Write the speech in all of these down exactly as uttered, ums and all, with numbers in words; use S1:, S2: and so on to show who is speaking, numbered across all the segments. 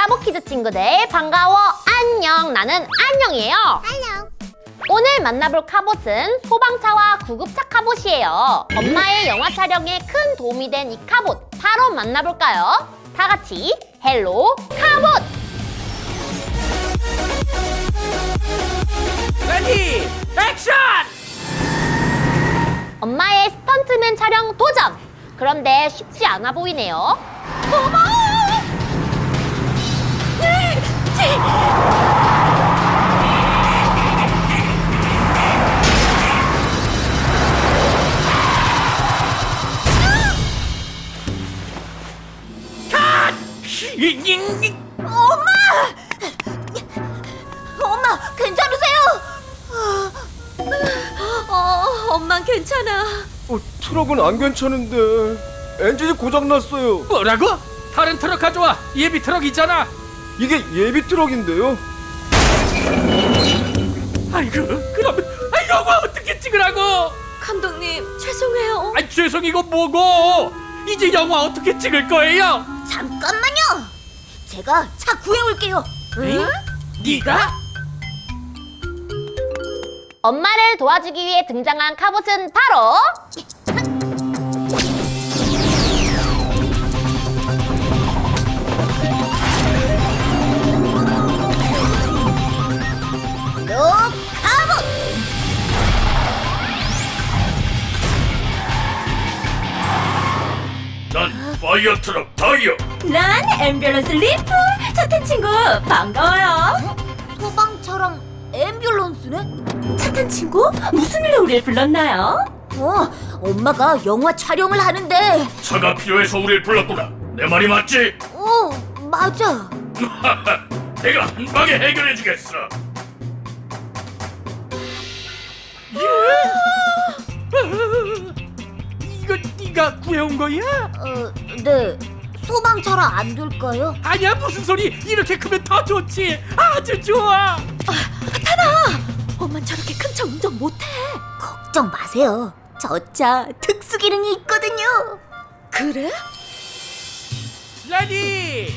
S1: 카봇키즈 친구들 반가워. 안녕. 나는 안녕이에요.
S2: 안녕.
S1: 오늘 만나볼 카봇은 소방차와 구급차 카봇이에요. 엄마의 영화 촬영에 큰 도움이 된 이 카봇 바로 만나볼까요? 다 같이 헬로 카봇!
S3: 레디 액션!
S1: 엄마의 스턴트맨 촬영 도전! 그런데 쉽지 않아 보이네요. 어머!
S2: 엄마! 엄마, 괜찮으세요? 어, 엄만 괜찮아.
S4: 어, 트럭은 안 괜찮은데 엔진이 고장났어요.
S3: 뭐라고? 다른 트럭 가져와. 예비 트럭 있잖아.
S4: 이게 예비 트럭인데요.
S3: 아이고, 그러면 아, 영화 어떻게 찍으라고?
S2: 감독님, 죄송해요.
S3: 아, 죄송이고 뭐고? 이제 영화 어떻게 찍을 거예요?
S2: 잠깐만요. 제가 차 구해올게요.
S3: 응? 네가?
S1: 엄마를 도와주기 위해 등장한 카봇은 바로
S2: 로카봇!
S5: 난 파이어 트럭 타이어.
S2: 난 앰뷸런스 리프! 차탄 친구, 반가워요. 소방차랑 앰뷸런스네? 차탄 친구, 무슨 일로 우리를 불렀나요? 어, 엄마가 영화 촬영을 하는데.
S5: 차가 필요해서 우릴 불렀구나. 내 말이 맞지?
S2: 어, 맞아.
S5: 내가 한 방에 해결해주겠어.
S3: 이거 네가 구해온 거야?
S2: 어, 네. 소방차라 안 될까요?
S3: 아니야, 무슨 소리? 이렇게 크면 더 좋지. 아주 좋아.
S2: 엄만 저렇게 큰 차 운전 못해. 걱정 마세요. 저 차 특수 기능이 있거든요. 그래?
S3: 레디.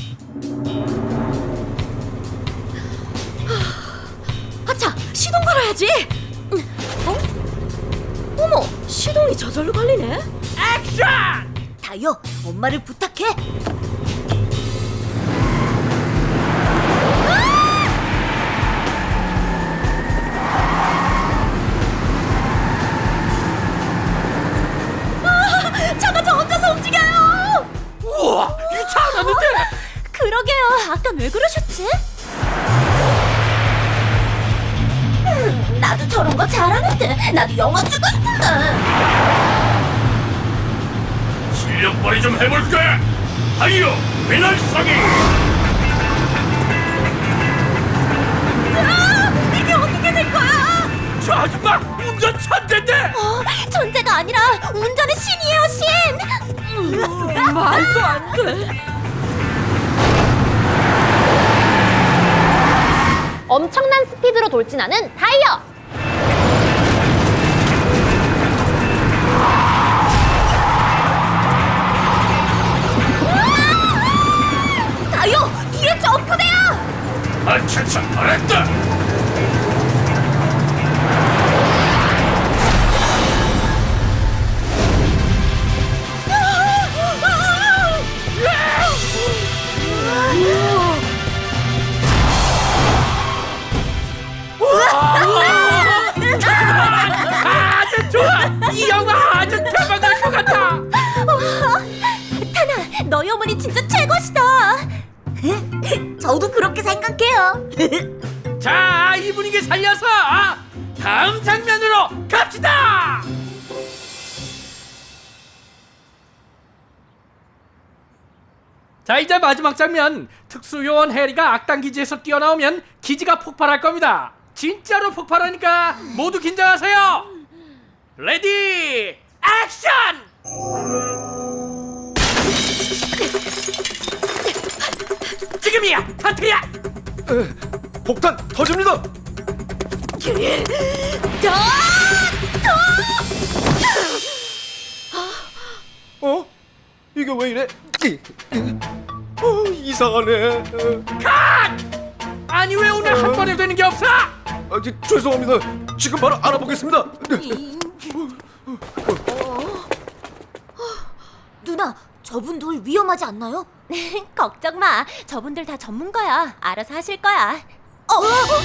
S2: 아차, 시동 걸어야지. 어? 어머, 시동이 저절로 걸리네.
S3: 액션!
S2: 다요, 엄마를 부탁해. 아, 차가 저 혼자서 움직여요.
S3: 우와, 이 차 안 왔는데?
S2: 그러게요. 아까 왜 그러셨지? 음, 나도 저런 거 잘하는데. 나도 영화 찍고 싶은데.
S5: 실력 발휘 좀 해볼까? 타이어 배날상이.
S2: 아, 이게 어떻게 된 거야?
S3: 저 아줌마 운전 천재인데.
S2: 어, 존재가 아니라 운전의 신이에요, 신. 말도 안 돼.
S1: 엄청난 스피드로 돌진하는 타이어!
S2: 다요, 뒤에 점프대요.
S5: 아차차, 알았다.
S3: 아주 좋아. 이 영화 아주 대박날 것 같아.
S2: 타나, 너희 어머니 진짜 최고시다. 저도 그렇게 생각해요.
S3: 자, 이 분위기 살려서 다음 장면으로 갑시다. 자, 이제 마지막 장면. 특수요원 해리가 악당 기지에서 뛰어나오면 기지가 폭발할 겁니다. 진짜로 폭발하니까 모두 긴장하세요. 레디 액션! 지금이야, 카트야.
S4: 에, 폭탄 터집니다. 어? 이게 왜 이래? 이, 이. 어, 이상하네.
S3: 아니 왜 오늘 한 번에 되는 게 없어?
S4: 아, 지- 죄송합니다. 지금 바로 알아보겠습니다.
S2: 누나, 저분들 위험하지 않나요?
S6: 걱정 마. 저분들 다 전문가야. 알아서 하실 거야.
S2: 어,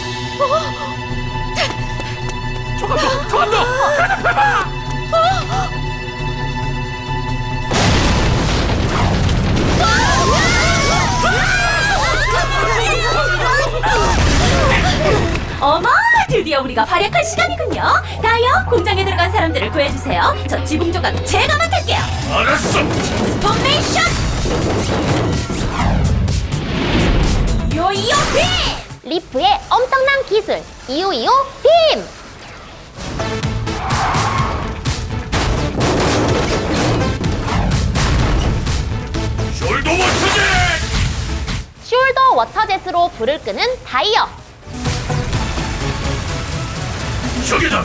S3: 저감독, 저감독, 가득해봐.
S6: 어머, 드디어 우리가 활약할 시간이군요. 다이어, 공장에 들어간 사람들을 구해주세요. 저 지붕 조각 제가 맡을게요.
S5: 알았어.
S6: 포메이션! 요요 빔!
S1: 리프의 엄청난 기술 이오이오 빔!
S5: 숄더 워터제.
S1: 숄더 워터젯으로 불을 끄는 다이어.
S5: 저기다.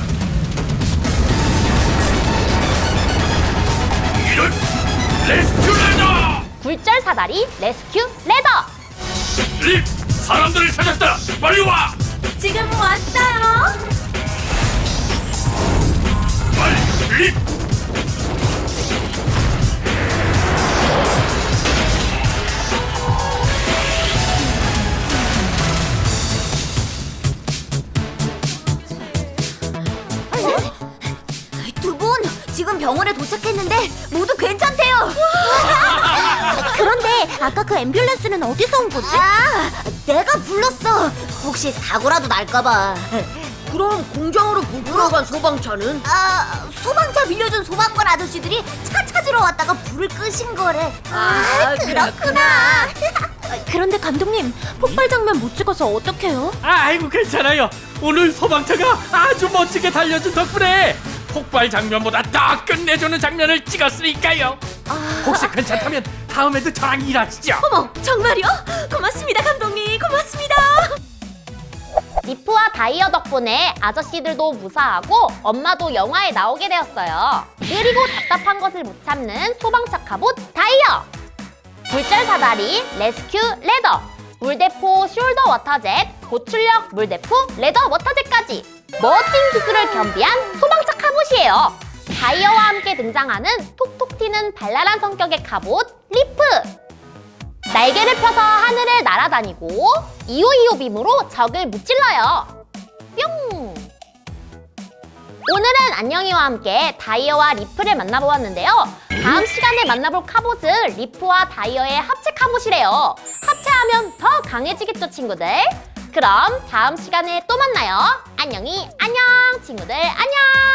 S5: 이런 레스큐레더.
S1: 굴절 사다리 레스큐 레더.
S5: 립, 사람들을 찾았다. 빨리 와.
S6: 지금 왔어요.
S5: 빨리 립.
S2: 두 분 지금 병원에 도착했는데 모두 괜찮대요. 그런데 아까 그 앰뷸런스는 어디서 온 거지? 아, 내가 불렀어. 혹시 사고라도 날까봐. 그럼 공장으로 보러 간 소방차는? 아, 소방차 빌려준 소방관 아저씨들이 차 찾으러 왔다가 불을 끄신 거래. 아, 그렇구나.
S6: 그런데 감독님, 폭발 장면 못 찍어서 어떡해요?
S3: 아이고 괜찮아요. 오늘 소방차가 아주 멋지게 달려준 덕분에 폭발 장면보다 더 끝내주는 장면을 찍었으니까요. 혹시 괜찮다면 다음에도 저랑 일하시죠.
S6: 어머, 정말요? 고맙습니다, 감독님. 고맙습니다.
S1: 리프와 다이어 덕분에 아저씨들도 무사하고 엄마도 영화에 나오게 되었어요. 그리고 답답한 것을 못 참는 소방차 갑옷 다이어! 굴절 사다리 레스큐 레더! 물대포 숄더 워터젯, 고출력 물대포 레더 워터젯까지 멋진 기술을 겸비한 소방차 갑옷이에요. 다이어와 함께 등장하는 톡톡 튀는 발랄한 성격의 갑옷 리프! 날개를 펴서 하늘을 날아다니고 이오이오 빔으로 적을 무찔러요. 뿅! 오늘은 안녕이와 함께 다이어와 리프를 만나보았는데요. 다음 시간에 만나볼 갑옷은 리프와 다이어의 합체 갑옷이래요. 합체하면 더 강해지겠죠, 친구들? 그럼 다음 시간에 또 만나요. 안녕히 안녕, 친구들 안녕!